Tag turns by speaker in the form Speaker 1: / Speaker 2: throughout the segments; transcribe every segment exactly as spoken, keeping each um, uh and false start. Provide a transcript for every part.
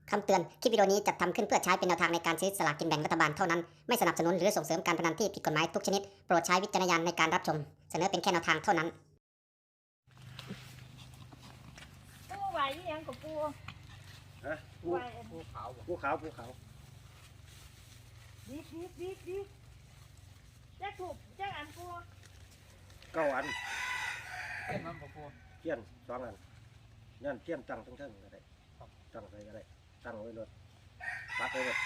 Speaker 1: คำเตือน คลิปวิดีโอนี้จัดทำขึ้นเพื่อใช้เป็นแนวทางในการซื้อสลากกินแบ่งรัฐบาลเท่านั้น ไม่สนับสนุนหรือส่งเสริมการพนันที่ผิดกฎหมายทุกชนิด โปรดใช้วิจารณญาณในการรับชม เสนอเป็นแค่แนวทางเท่านั้น
Speaker 2: ปูไหวอีหยังกับปู
Speaker 3: ฮะภู
Speaker 2: ไหว
Speaker 3: ภูขาวภูขาวภูขาว
Speaker 2: ดิบดิบดิบดิบแจ๊กถูกแจ๊กอันปู
Speaker 3: เก้าอัน
Speaker 4: เต้นมันบ่ปู
Speaker 3: เทียนสองอันนั่นเทียนตั้งทั้งทั้งก็ได้ตั้งใส่ก็ได้ตั้งไว้รถปักไว้รถ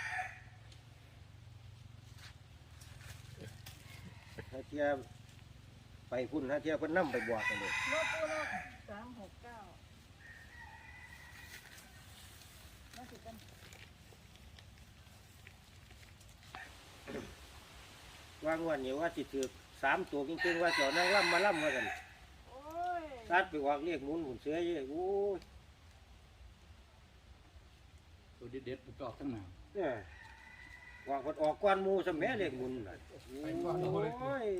Speaker 3: ถ้าเทียไปพุ่นถ้าเทียเพิ่นนั่ไปบวกกันเลย
Speaker 2: โลปูโลสามหกเก้ามาสิกัน
Speaker 3: ว่างวันนี้ว่าสิถือสามตัวจริงๆว่าเจ้านั่งล่ำมาล่ำมากัน
Speaker 2: โอ้ย
Speaker 3: ตัดไปออกเรียกหมุนหุ่นเสือเยอะโอ้ย
Speaker 4: ตัวเด็ดๆมันก็ออกทั้งหน้า
Speaker 3: เนี่ยออกออกก้อนหมูสมัยเรียกหมุนน่ะโอ้ย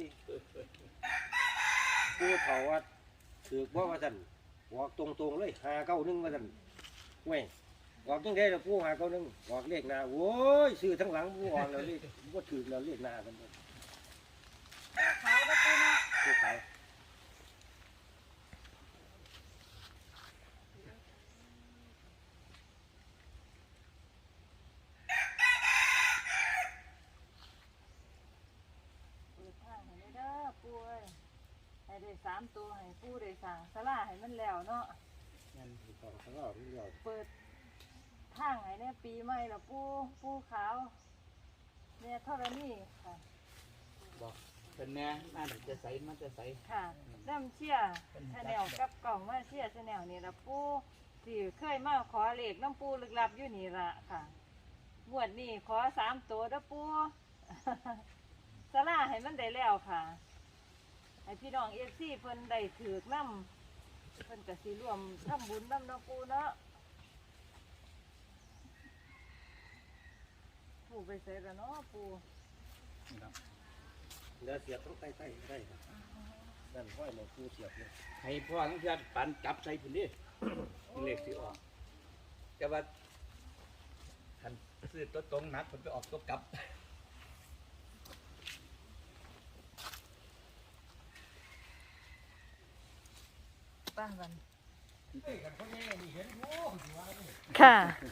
Speaker 3: ผู้เฒ่าว่าถือบ่ว่าสั่นออกตรงๆเลยหาเก้าหนึ่งว่าสั่นเว้ยออกยังไงล่ะผู้หาเก้าหนึ่งออกเลขหน้าโอ้ยซื้อทั้งหลังผู้ออกแล้วเลขบ่ถือแล้วเลขหน้ากันหมด
Speaker 2: ขาวกับปูนะ
Speaker 3: ผู้ขาย
Speaker 2: เปิดทางให้เลยเด้อปูเอ้ยให้ได้สามตัวให้ปูได้สั่งสลาให้มันแล้วเนาะ
Speaker 3: งั้นผู้ขายเขาเอาเรื่อง
Speaker 2: เปิดทางให้เนี่ยปีใหม่ละปูปูขาวเนี่ยเท่านี้ค่ะ
Speaker 4: บอกเป็นแน่น่าจะใสมันจะใส
Speaker 2: ค่ะน้ำเชี่ยชาแนลกับกล่องมาเชี่ยชาแนลนี่ละปูที่เคยมาขอเลขน้ำปูลึกลับอยู่นี่ละค่ะงวดนี้ขอสามตัวเด้อปู สลาให้มันได้แล้วค่ะให้พี่น้องเอฟซีเพิ่นได้ถือกน้ำเพิ่นก็สิร่วมทำบุญน้ำน้ำปูเนาะปูไปใส่ละเนาะปู
Speaker 4: นะครับ
Speaker 3: เดี๋ยวเสียบต้องใต้ใต้ได้ครับนั่นห้อยหมอผู้เสียบเลย
Speaker 4: ให้พ่อทั้งเพื่อนปันจับใส่พุ่นดิเลขสิออกแต่ว่าคันซื้อตัวตรงหนักมันไปออกตัวกลับ
Speaker 2: ป้ากันค่ะ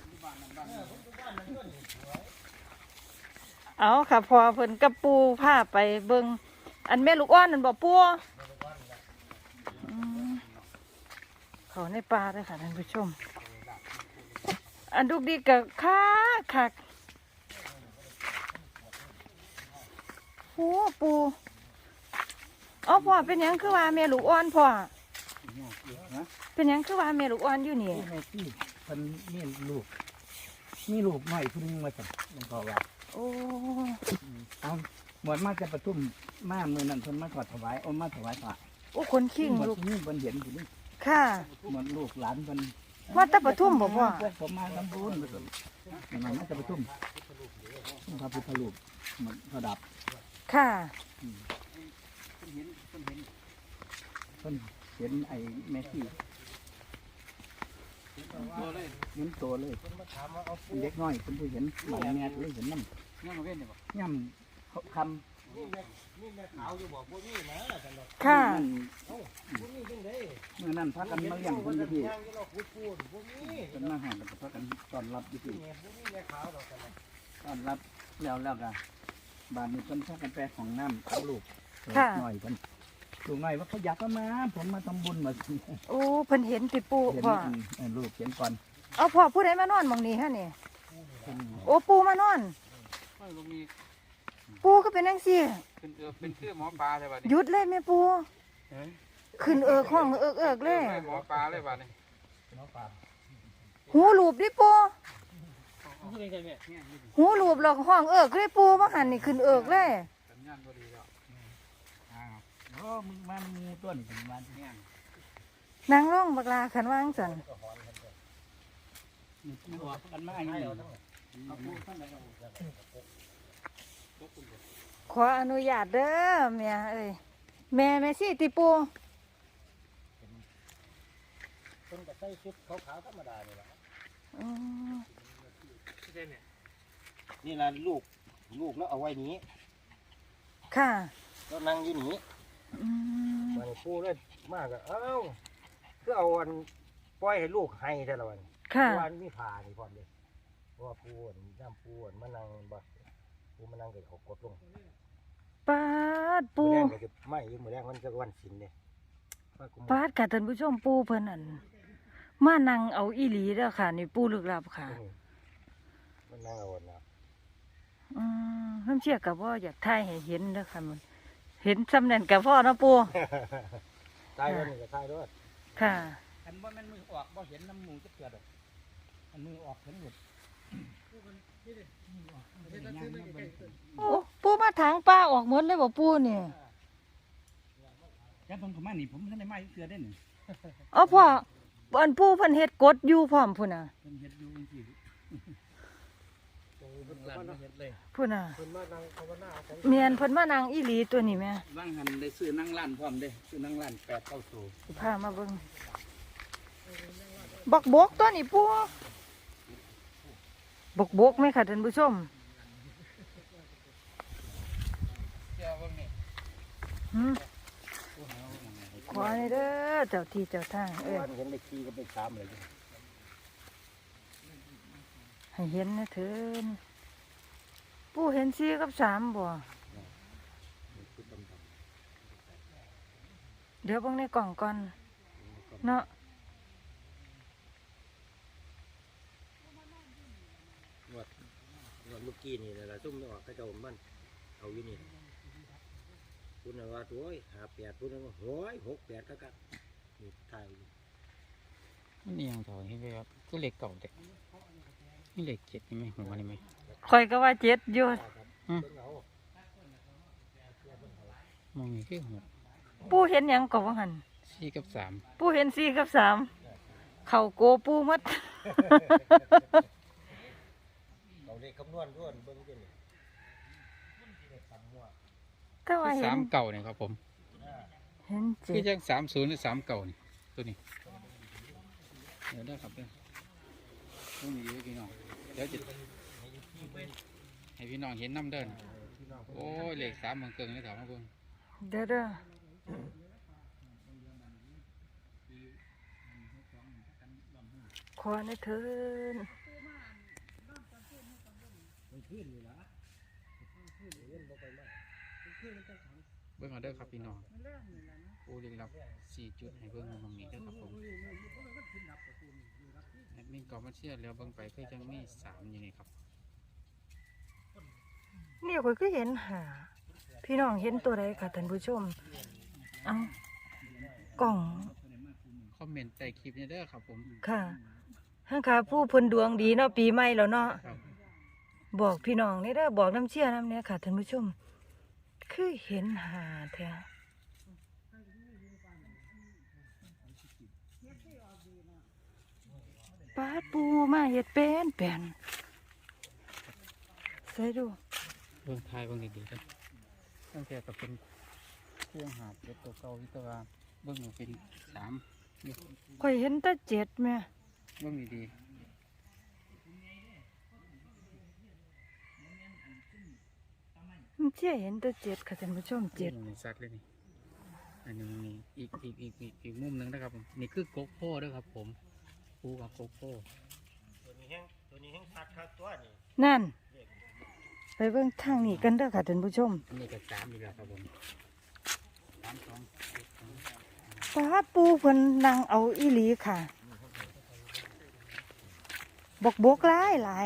Speaker 2: เอาค่ะพอเพิ่นกับปูผ้าไปเบิงอันแม่ลูกอ้อนนั่นบอกปูอืมเขาในปลาเลยค่ะท่านผู้ชม อันลูกดีกับคักคักโอ้ปูอ๋อพ่อเป็นหยังคือว่าแม่ลูกอ้อนพ่อ
Speaker 4: นะ
Speaker 2: เป็นหยังคือว่าแม่ลูกอ่อนอยู่นี่
Speaker 4: แม่ที่มันมีลูกมีลูกหน่อยพุ่งมาสั่งหลวงพ่อว่า
Speaker 2: โอ้
Speaker 4: เอาหมดมาจะประทุมมาเมื่อนั้นเพิ่นมาถอดถวายเอามาถวายพระ
Speaker 2: โอ้คนขิง
Speaker 4: หมด
Speaker 2: ลูก
Speaker 4: นี่เพิ่นเห็นอยู่นี่
Speaker 2: ค่ะ
Speaker 4: หมดลูกหลานเพิ่น
Speaker 2: ว่าแตะปทุมบ่พ่อ
Speaker 4: พวกผมมาทำบุญมันมาจะประทุมพระพุทธรูปมันระดับ
Speaker 2: ค่ะ
Speaker 4: เห็นเพิ่นเห็นเพิ่นเห็นไอ้แม่ที่เห็นตัวเลยเป็นเด็กน้อยเป็นผู้เห็นหมายแม่เลยเห็นน้ำย่ำเว้นเนี่ยบ่ย่ำคำ
Speaker 3: นี่แม่ขาวอยู่บอกพวกนี้นะจันดอก
Speaker 2: ค่ะ
Speaker 3: พวกนี้จังได๋
Speaker 4: เมื่อนั้นพากันมาเลี้ยงคนอยู่ที่
Speaker 3: ย่างอยู่ดอกพูดพูดพวกนี้
Speaker 4: เป็นมาหาแล้วก็พากันต้อนรับอยู่ที่
Speaker 3: เนี่ยพวกนี้แม่ขาวดอกกันนะ
Speaker 4: ต้อนรับแล้วแล้วก็บ้านนี้เพิ่นพากันไปของน้ำเอาลูก
Speaker 2: ค่ะ
Speaker 4: หน่อยเพิ่นลูกหน่อยว่าเขาอยากมา ผมมาทำบุญมา
Speaker 2: โอ้เพิ่นเห็นติปู
Speaker 4: เห็น
Speaker 2: พ่อ
Speaker 4: เออลูกเห็นก่อน
Speaker 2: เอาพ่อผู้ใดมานอนหมองนี้ฮะนี่
Speaker 4: เพิ่น
Speaker 2: โอ้ปูมานอน
Speaker 5: ไม่ลงมี
Speaker 2: ปูก็เป็นจังซี่
Speaker 5: เป็นเออเป็นคือหมอปลาเลยบ้านี้
Speaker 2: หยุดเลยแม่ปู
Speaker 5: เอ้ย
Speaker 2: ขึ้นเอิกห้องเอิกเอิกเลย
Speaker 5: ไม่หมอปลาเลยบ้านี้
Speaker 2: หูหลูบดิปูหูหลูบหรอกห้องเอิกเลยปูว่าหันนี่ขึ้นเอิกเลย
Speaker 5: สัญญาณพอดีแล้ว
Speaker 4: อ้าวโอ้มึงมามีต้นถึงวันเนี่ย
Speaker 2: นางร้องบักลาขันวางสัน
Speaker 4: นี่ออกกันมาอย่างนี้เอาพูดข้างในเอา
Speaker 2: ขออนุญาตเด้อแม่เอ้ยแม่แม่สิติปู
Speaker 3: เพิ่นก็ใส่ชุดขาวๆธรรมดานี่ล่ะ
Speaker 2: อืม
Speaker 5: ได้เนี่ย
Speaker 3: นี่ล่ะลูกลูกแล้วเอาไว้นี้
Speaker 6: ค่ะ
Speaker 3: แล้วนั่งอยู่นี้
Speaker 6: อืม
Speaker 3: มันปูเลยมากอะเอ้าคือเอาอันปล่อยให้ลูกให้แต่ละวัน
Speaker 6: ค่ะ
Speaker 3: วันมีผ่านี่พร้อมเลยเพราะว่าปูอันน้ำปูอันมานั่งบ่ปูมานั่งเกิดเขากดลง
Speaker 6: ปาดปู
Speaker 3: มื้อแรงก็จะไม่อยืมมือแรงมันจะวันศิลเนี่ยว่ากู
Speaker 6: ปาดค่ะท่านผู้ชมปูเพิ่นอั่นมานั่งเอาอีหลีเด้อค่ะนี่ปูลึกลับค่ะ
Speaker 3: อืมมันนั่งเอาอันนะ
Speaker 6: อืมเพิ่นเชื่อกับว่าอยากถ่ายให้เห็นเด้อค่ะมันเห็นสำเร็จกับพ่อเนาะปู
Speaker 3: ตายแล้วนี่ก็ตายด้วย
Speaker 6: ค่ะ
Speaker 4: อันว่ามันมือออกบ่เห็นน้ำมูกจะเกิดหรอกอันมือออกเห็นหมด
Speaker 6: โอ้ปูมาถางป้าออกหมดเลยบ่ปูนี่
Speaker 4: แล้วผมเขามานี่ผมท่านได้มาเกิดได้หนึ่ง
Speaker 6: เอ๋อพ่ออันปูเพิ่นเฮ็ดกดอยู่พร้อมพุ่นน่ะ
Speaker 4: เป็นเห็ดอยู่จริงๆร้านเห็ดเลย
Speaker 6: พุ่นน่ะ
Speaker 3: คนมานั่งภาวนาของ
Speaker 6: เมียนเพิ่นมานั่งอีหลีตัวนี้แม่
Speaker 4: ว่างหันได้ซื้อนั่งร้านพร้อมเด้ซื้อนั่งร้านแปดเก้าตัว
Speaker 6: สิพามาเบิ่งบักบกตัวนี้ปูบักบกไหมค่ะท่านผู้ชม
Speaker 5: เจ้าเบิ่งนี่
Speaker 6: หืมขอให้เด้อเจ้าที่เจ้าทางเอ้ย
Speaker 3: วันเห็นไปขี่ก็ไปสามเลย
Speaker 6: ให้เห็นนะเถินปู่เห็นสี่กับสามบ่เดี๋ยวเบิ่งในกล่องก่อนเนาะ
Speaker 3: งวดงวดเมื่อกี้นี่แหละซุ่มไม่ออกกระเจ้ามันเอาอยู่นี่พูดนะว่าตัวหาแปดพูดนะว่าโอ้ยหกแปดก็กันนี่ไทย
Speaker 5: นี่ยังถอยให้ไปครับก็เหล็กเก่าเด็กนี่เหล็กเจ็ดนี่ไหมหัวนี่ไหม
Speaker 6: ข่อยก็ว่าเจ็ดอยู่
Speaker 5: มองนี่คือหัว
Speaker 6: ปู่เห็นหยังก็ว่าหั่น
Speaker 5: สี่กับสาม
Speaker 6: ปู่เห็นสี่กับสามเข้าโกปู่หมด
Speaker 3: เราเลขคำนวณด้วยเบิ้งด้วยนี่
Speaker 6: ก็ว่าเห็
Speaker 5: สาน มเก่าเนี่ยครับผม
Speaker 6: เห็นเจ็
Speaker 5: คือ
Speaker 6: ด
Speaker 5: จังสามศูนย์หรือสามเก่านี่ตัวนี้เดี๋ยวได้ครับเด้อต้องมีไว้พี่น้องเดี๋ยวจะให้พี่น้องเห็นน้ำเดินโอ้ยเหล็กสามเมืองเกิงเลยถามมาเบิ่ง
Speaker 6: เด้อเด้อขอให้เถิน
Speaker 5: เบิ่งเอาเด้อครับพี่น้องโอ้เรียงรับสี่จุดให้เบิ่งตรงนี้เด้อครับผมแอดมินกอมาเชียร์แล้วเบิ่งไปคือจังมีสามอยู่นี่ครับ
Speaker 6: นี่ข่อยก็เห็นหาพี่น้องเห็นตัวใดค่ะท่านผู้ชมเอากล่อง
Speaker 5: คอมเมนต์ใต้คลิปนี้เด้อครับผม
Speaker 6: ค่ะห้างขาผู้เพิ่นดวงดีเนาะปีใหม่แล้วเนาะ
Speaker 5: ครับ
Speaker 6: บอกพี่น้องนี่เด้อบอกน้ำเชี่ยน้ำเนี่ยค่ะท่านผู้ชม คือเห็นหาแท้ปาดปูมาเฮ็ดเป็นเป็นใส่ดู
Speaker 5: เบิ่งทายเบิ่งดีๆเด้อตั้งแต่ก็เป็นเครื่องหาบเป็นตัวเก่าที่ตัวว่าเบิ่งอยู่เป็นสามนี่
Speaker 6: ข่อยเห็นแต่เจ็ดแม่
Speaker 5: เบิ่งดี
Speaker 6: น้ำเชี่ยเห็นแต่เจ็ดค่ะท่านผู้ชม
Speaker 5: ๆ
Speaker 6: เจ็ด
Speaker 5: บิ่งนี่ซัดเลยนี่อันนี้นี่อีกอีกอีกอีกอีกมุมหนึงนะครับผมนี่คือโกโก้เด้อครับผมปูกับโกโก้
Speaker 3: ตัวนี้แห้งตัวนี้แห้งชัดครับตัวนี้
Speaker 6: นั่น ไปเบิ่งทางนี้กันเด้อค่ะท่านผู้ชม
Speaker 5: อันนี้ก็สามอีกแล้วครับผมสามสอง
Speaker 6: ปาดปูเพิ่นนั่งเอาอีหลีค่ะ บกบกหลายหลาย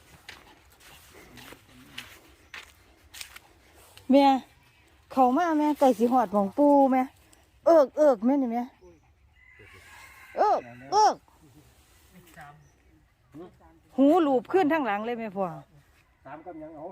Speaker 6: แม่เขามาแม่ไก่สิหอดของปูแม่เอิกเอิกแม่นี่แม่เอิกเอิกหูหลูบขึ้นทั้งหลังเลยแม่พ่อ
Speaker 3: สามกำยังเอา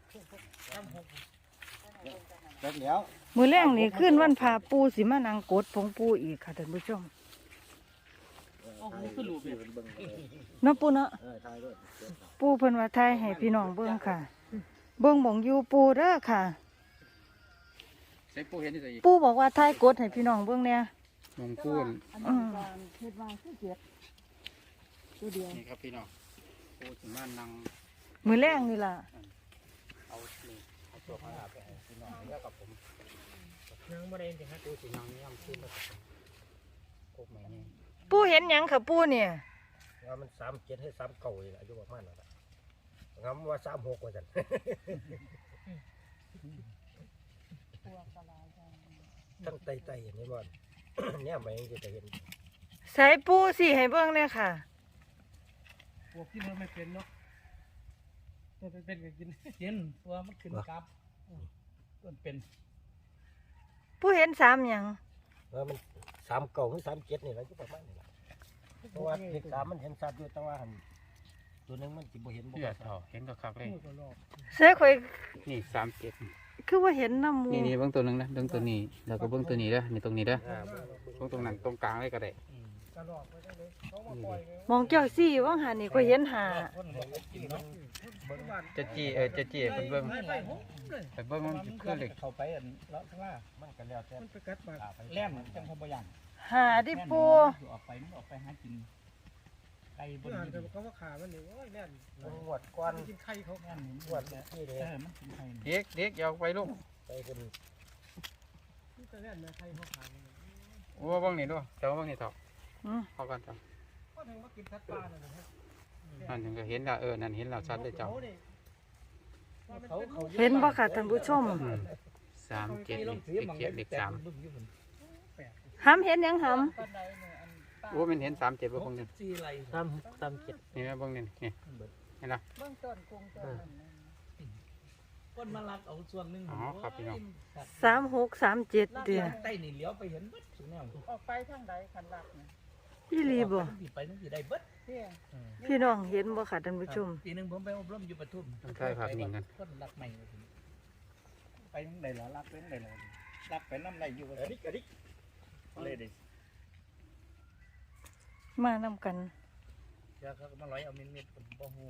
Speaker 3: เสร็จแล้ว
Speaker 6: มือแรงนี่ขึ้นวันพาปูสิมานั่งกดผงปูอีกค่ะท่านผู้ชม
Speaker 5: โอ้โหคือรูปเนี่ย
Speaker 6: เนาะปูเนาะ
Speaker 3: เออทายด้วย
Speaker 6: ปูเพิ่นว่าทายให้พี่น้องเบิ่งค่ะ เบิ่งหม่องอยู่ปูเด้อค่ะ
Speaker 5: ใส่ปูเห็นที่ใส่อีก
Speaker 6: ปูบอกว่าทายกดให้พี่น้องเบิ่งเนี่ย
Speaker 5: มองปูน
Speaker 6: อืม
Speaker 5: นี่ครับพี่น้องปูสิมานั่ง
Speaker 6: มือแรงนี่ล่ะ
Speaker 5: เอานี่เอาตัวข้างหน้าไปให้พี่น้องแล้วกับผมยังบ่ได้จริงๆฮะกูสินอนย่ำขึ้นแล้วกับผมโคกใหม่นี่
Speaker 6: ปูเห็นหยังค่ะปูเนี่ย
Speaker 3: ว่ามันสามเจ็ดให้สามเก่าเลยอายุประมาณนั้นงำว่าสามหกว่าจัน ทั้งไตไตอย่างนี้บ่อน เนี่ยมันยังจะเห็น
Speaker 6: ใส่ปูสิให้เบิ่งเลยค่ะ
Speaker 5: พวกที่มันไม่เป็นเนาะมันเป็นก็กินเย็นตัวมันขึ้นกับต้นเป็น
Speaker 6: ปูเห็นสามหยัง
Speaker 3: ว่ามันสามเก่าหรือสามเจ็ดนี่แหละที่ประมาณนี้แหละเพราะว่าเลขสามมันเห็นชัดอยู่แต่ว่าหันตัวหนึงมันจิบ่เห็นบ่
Speaker 5: เลือดเถาเห็นก็คักเลย
Speaker 6: ใส่ข่อย
Speaker 5: นี่สามเจ็ด
Speaker 6: คือว่าเห็นน้ำหมู
Speaker 5: นี่นี่เบื้องตัวหนึงนะเบื้องตัวนี้แล้วก็เบื้องตัวนี้เด้อนี่ตรงนี้เด้อ
Speaker 3: อ่า
Speaker 5: เบื้องตรงนั้นตรงกลางเลยก็ได้
Speaker 6: มองเจ้าซี่ว่างหานี่ข่อยเห็นหา
Speaker 5: จะจี้เออจะจี้เป็นเบื้องไปเบื้องมันคือเหล็ก
Speaker 4: เข้าไปอันเลาะข้างล่าง
Speaker 3: มันก็แล้วแต่
Speaker 4: แล่นจังเขาบ่ย่าง
Speaker 6: หาดิปู
Speaker 4: ออกไปมันออกไปหากินไก่บน
Speaker 7: อ่าน
Speaker 4: ดิ
Speaker 7: แต่
Speaker 4: น
Speaker 7: เขาว่าขามันนี่โอ้ยแม่น
Speaker 3: มันงวดก้อน
Speaker 7: กินไข่เขา
Speaker 4: แล่น
Speaker 3: งวดที่เดี
Speaker 4: เออมันกินไข่
Speaker 5: เด็กเด็กอยาวไปลูก
Speaker 3: ไปเป็น
Speaker 7: ที่แต่แม่นแม่ไข่เขาขามัน
Speaker 5: โอ้เบื้องนี้ด้วยแต่ว่าเบื้องนี้เถา
Speaker 6: อืม
Speaker 5: เข้ากันเถา
Speaker 7: ก็ถึงว่ากินสัตว์ป่าน่ะนะฮะ
Speaker 5: นั่นถึงก็เห็นแล้วเออนั่นเห็นแล้วชัดเลยเจ้า
Speaker 4: เขาเขา
Speaker 6: เห็นบ่ค่ะท่านผู้ชม
Speaker 5: อืมสามเจ็ดนี่เด็กเจ็ดเด็กสาม
Speaker 6: หำเห็นหยังห
Speaker 5: โอ้มันเห็นสามเจ็ดเบื้องนี้
Speaker 4: สี่ไร
Speaker 3: สามสามเจ็ด
Speaker 5: นี่นะเบื้องนี้นี่เห็นไหม
Speaker 6: ำเบื้องต้นคงต้น
Speaker 4: ก้นมาลักเอาส่วนหนึ่ง
Speaker 5: อ๋อครับพี่น้อง
Speaker 6: สามหกสามเจ็ดเดีย
Speaker 4: ใต้นี่เลี้ยวไปเห็นเบิดสุดแนว
Speaker 6: ออกไปทางใดคันลักนะพี่ลีบ่
Speaker 4: ที่ไปนั่นที่ได้เบิด
Speaker 6: พี่น้องเห็นบ่ค่ะท่านผู้ชม
Speaker 4: ปีหนึงผมไปอบรมอยู่ปทุม
Speaker 5: ต้องใช้ภาพนิ่งกัน
Speaker 4: ก้นลักใหม่ไปทางใดล่ะลักไปทางใดล่ะลักไปน้ำไหลอยู่
Speaker 3: อันนี้อันนี้
Speaker 4: เลยดิ
Speaker 6: มานำกัน
Speaker 4: เดี๋ยวเขาก็มาร้อยเอาเม็ดๆผมบ่ฮู้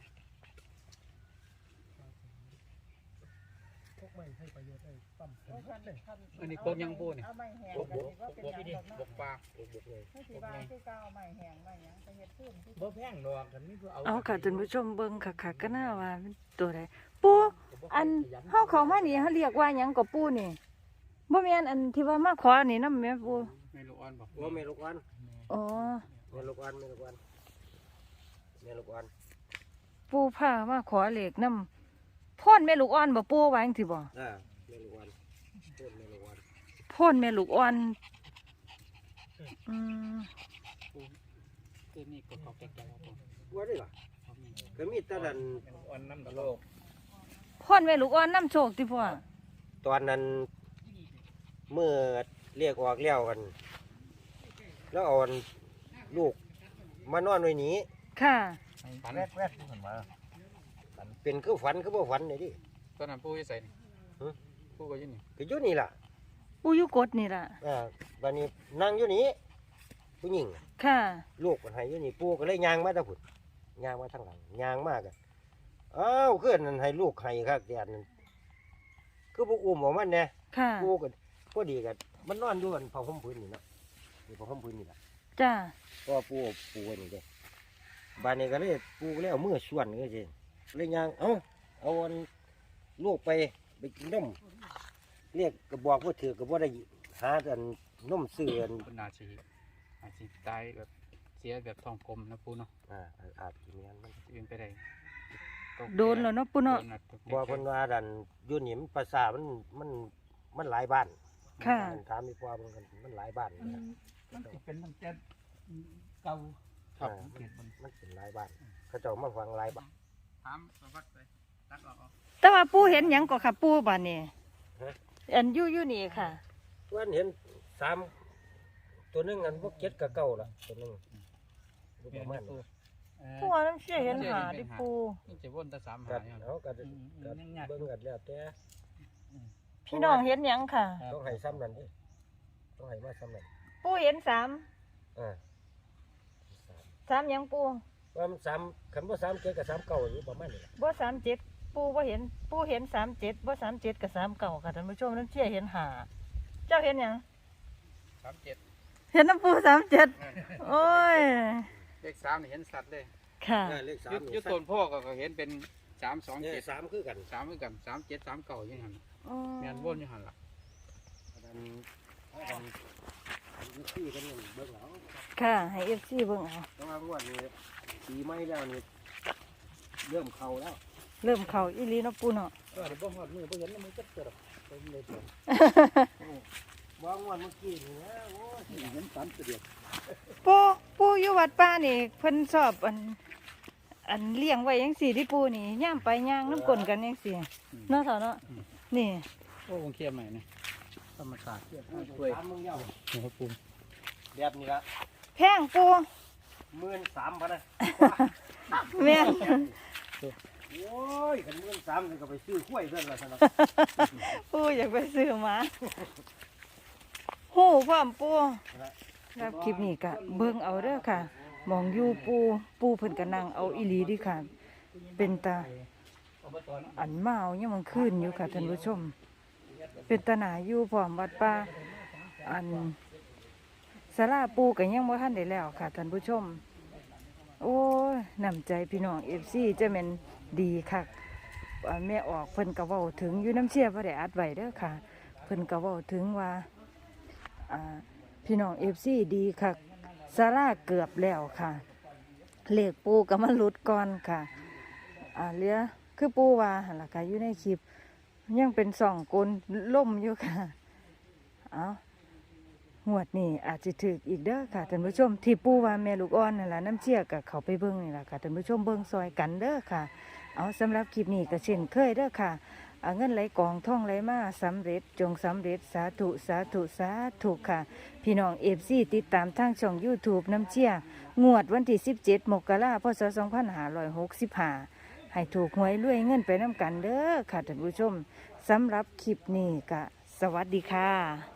Speaker 7: พวกไม่ให้ประโยชน์ได้ปั๊มเป็นเลย
Speaker 5: อันนี้โคกยังปูนี่
Speaker 6: เอาไม้แห้ง
Speaker 5: บกบกบกนี่บกปลาบกบกเลย
Speaker 6: ไม่สิว่าคือเก่าไม้แห้งไม้หยังไปเฮ็ดพื้น
Speaker 4: บ่แพงดอกคันนี้คือเอา
Speaker 6: เอาค่ะท่านผู้ชมเบิ่งคักๆก็น่าว่ามันตัวใดปูอันเฮาเข้ามานี่เฮาเรียกว่าหยังก็ปูนี่บ่แม่นอันที่ว่ามาขอนี่นำแม่ปู
Speaker 5: ไม่รู้อ่อนบอก
Speaker 3: ว่าเมลูกวัน
Speaker 6: อ๋อ
Speaker 3: เมลูกวันเมลูกวันเมลูกวัน
Speaker 6: ปูพามาขอเลขนำพ่นแม่ลูกอ่อนบ่ปูว่าจังซี่บ่
Speaker 3: อ่าเมลูกวันต้นเมลูกวัน
Speaker 6: พ่นแม่ลูกอ่อนอืม
Speaker 5: คือนี่ก็เขาแก่ๆครับผม
Speaker 3: ว่าได้หรอก็มีแต่ดัน
Speaker 4: อ่อนน้ำตะโลก
Speaker 6: พ่นแม่ลูกอ่อนนำโชคติพ่อ
Speaker 3: ตอนนั้นเมื่อเรียกออกเลี้ยวกัน แล้วเอาอันลูกมานอนไว้นี้
Speaker 6: ค่ะ
Speaker 5: ฝัน
Speaker 3: แวดแวดขึ้นมาเป็นคือฝันคือบ่ฝันเลยดิ
Speaker 5: ตอนนั้นปูจะใส่นี่ปูก็อยืนนี่
Speaker 3: ก็อยู่นี่ล่ะ
Speaker 6: ปูอยู่กดนี่ล่ะ
Speaker 3: อ่าบัดนี้นั่งอยู่นี่ผู้หญิง
Speaker 6: ค่ะ
Speaker 3: ลูกมันให้อยู่นี่ปู่ก็เลยย่างมาแตะพุ่นย่างมาทางหลังย่างมากอะอ้าวเพื่อนนั่นให้ลูกให้ครับแดดนั่นคือบ่อุ้มออกมันแน่
Speaker 6: ค่ะ
Speaker 3: ปู่ก็พอดีกันมันนอนอยู่กันผ้าห่มพื้นนี่เนาะนี่ผ้าห่มพื้นนี่ล่ะ
Speaker 6: จ้า
Speaker 3: ก็ปู่ปู่ไว้นี่เด้บ้านนี้ก็เลยปู่ก็เลยเอามือส่วนก็สิเลยย่างเอ้าเอาอันลูกไปไปกินนมเรียกก็บอกว่าถือก็บ่ได้หาอันนมซื้ออัน
Speaker 5: เป็นนาชีอาชีตายแบบเสียแบบทองกลมนะปูเนาะ
Speaker 3: อ่าอาจสิแม่นมัน
Speaker 5: เป็นไปได้
Speaker 6: โดนแล้วเนาะปูเนาะ
Speaker 5: โดทุก
Speaker 3: บ่เพิ่นว่าดันอยู่นี่มันภาษามันมันมันหลายบ้าน
Speaker 6: ค่ะ
Speaker 3: มันถามอีกว่ามันก็มันหลายบ้านนะ
Speaker 4: มันสิเป็นตั้งแต่เก่า
Speaker 3: อ่ามันมันเป็นหลายบ้าน เขาเจ้ามาฟังหลายบ้าน
Speaker 5: ถามประวัติไปตัดออกเอา
Speaker 6: แต่ว่าปูเห็นหยังก็ค่ะปูบัดนี้อันอยู่อยู่นี่ค่ะ
Speaker 3: วันเห็นสามตัวหนึงอันพวกเจ็ดกับเก้าล่ะตัวหนึงรูปประมาณนี้
Speaker 6: ปูว่าน้ำเชื่อเห็นหาดิปู
Speaker 5: นี่จะวนแต่สามหา
Speaker 3: กัด
Speaker 5: เนี่ย
Speaker 3: เอากัดกัดเบิ่งกัดแล้วแต่
Speaker 6: พี่น้องเห็นหยังค่ะ
Speaker 3: ต้องให้ซ้ำนั่นดิต้องให้มาซ้ำนั่น
Speaker 6: ปูเห็นสาม
Speaker 3: อ่า
Speaker 6: สามหยังปู
Speaker 3: ว่ามันสามคันบ่สามเจ็ดกับสามเก้าอยู่ประมาณนี้ล่ะ
Speaker 6: บ่สามเจ็ดปูบ่เห็นปูเห็นสามเจ็ดบ่สามเจ็ดกับสามเก่าค่ะท่านผู้ชมน้ำเชื่อเห็นหาเจ้าเห็นหยัง
Speaker 5: สามเจ็ด
Speaker 6: เห็นน้ำปูสามเจ็ดโอ้ย
Speaker 5: เลขสามนี่เห็นสัตว์เลย
Speaker 6: ค่ะ
Speaker 3: อ่าเลขสาม
Speaker 5: ยุด
Speaker 3: นี่
Speaker 5: ยุดต้นพ่อก็ก็เห็นเป็นสามสอง
Speaker 3: เนี่ย
Speaker 5: เจ็ด
Speaker 3: สามคือกัน
Speaker 5: สามเหมือนกันสามเจ็ดสามเก่าอย่างนั้น
Speaker 6: อ๋อ
Speaker 5: แมนวนอยู่หันล่ะ
Speaker 3: อันนั้นอันนั้นอันนี้ที่กันนี่เบิ่งเอา
Speaker 6: ค่ะให้ เอฟ ซี เบิ่งเอา
Speaker 3: แต่ว่างวดนี้ปีใหม่แล้วนี่เริ่มเข้าแล้ว
Speaker 6: เริ่มเข้าอีหลีเนาะปูเนาะ
Speaker 5: ก็เดี๋ยวบ่ฮอดมือบ่เห็นมือจักเกิดเป็นเลยตัว
Speaker 3: ว่างวดเมื่อกี้นี่นะโอ้ย
Speaker 5: เห็นสันเดียว
Speaker 6: ปูปูอยู่วัดป่านี่เพิ่นชอบอัน อันเลี้ยงไว้จังซี่ที่ปูนี่ย่ามไปย่างน้ำกลนกันจังซี่เนาะเถาเนาะนี่
Speaker 5: โอ้คงเคียมใหม่นะธรรมศาสตร์
Speaker 3: เทียบกับสามมึงเย้า
Speaker 5: นะครับปู
Speaker 3: แบบนี้ละ
Speaker 6: แพงปู
Speaker 3: หมื่นสามพันนะ
Speaker 6: แม่น
Speaker 3: โอ้ยกันหมื่นสามนี่ก็ไปซื้อกล้วยเพื่อนละสนับ
Speaker 6: ปูอยากไปซื้อมาหู้พร้อมปูครับคลิปนี้ก็เบิ่งเอาเด้อค่ะมองอยู่ปูปูเพิ่นก็นั่งเอาอีหลีดิค่ะ เป็นตาอันมาเอายังมันขึ้นอยู่ค่ะท่านผู้ชม เป็นตาหนาอยู่พร้อมวัดป่าอันศาลาปูก็ยังบ่ทันได้แล้วค่ะท่านผู้ชม โอ้ยน้ำใจพี่น้อง เอฟ ซี จะแม่นดีคักอันแม่ออกเพิ่นก็เว้าถึงอยู่น้ำเชี่ยบ่ได้อัดไว้เด้อค่ะ เพิ่นก็เว้าถึงว่าอ่าพี่น้อง เอฟ ซี ดีคักศาลาเกือบแล้วค่ะเลขปูก็มาหลุดก่อนค่ะอ่าเหลือคือปูว่าหั่นล่ะค่ะอยู่ในคลิปยังเป็นสองกลล่มอยู่ค่ะเอางวดนี้อาจจะถึกอีกเด้อค่ะท่านผู้ชมที่ปูว่าแม่ลูกอ่อนนั่นล่ะน้ำเชี่ยกับเขาไปเบิ่งนี่ล่ะค่ะท่านผู้ชมเบิ่งซอยกันเด้อค่ะเอาสำหรับคลิปนี้ก็เช่นเคยเด้อค่ะเอาเงินไหลกองท่องไหลมาสำเร็จจงสำเร็จสาธุสาธุสาธุค่ะพี่น้องเอฟซีติดตามทางช่อง YouTube น้ำเชี่ยงวดวันที่สิบเจ็ดมกราคมพศสองพันห้าร้อยหกสิบห้าให้ถูกหวยรวยเงินไปน้ำกันเด้อค่ะท่านผู้ชมสำหรับคลิปนี้ก็สวัสดีค่ะ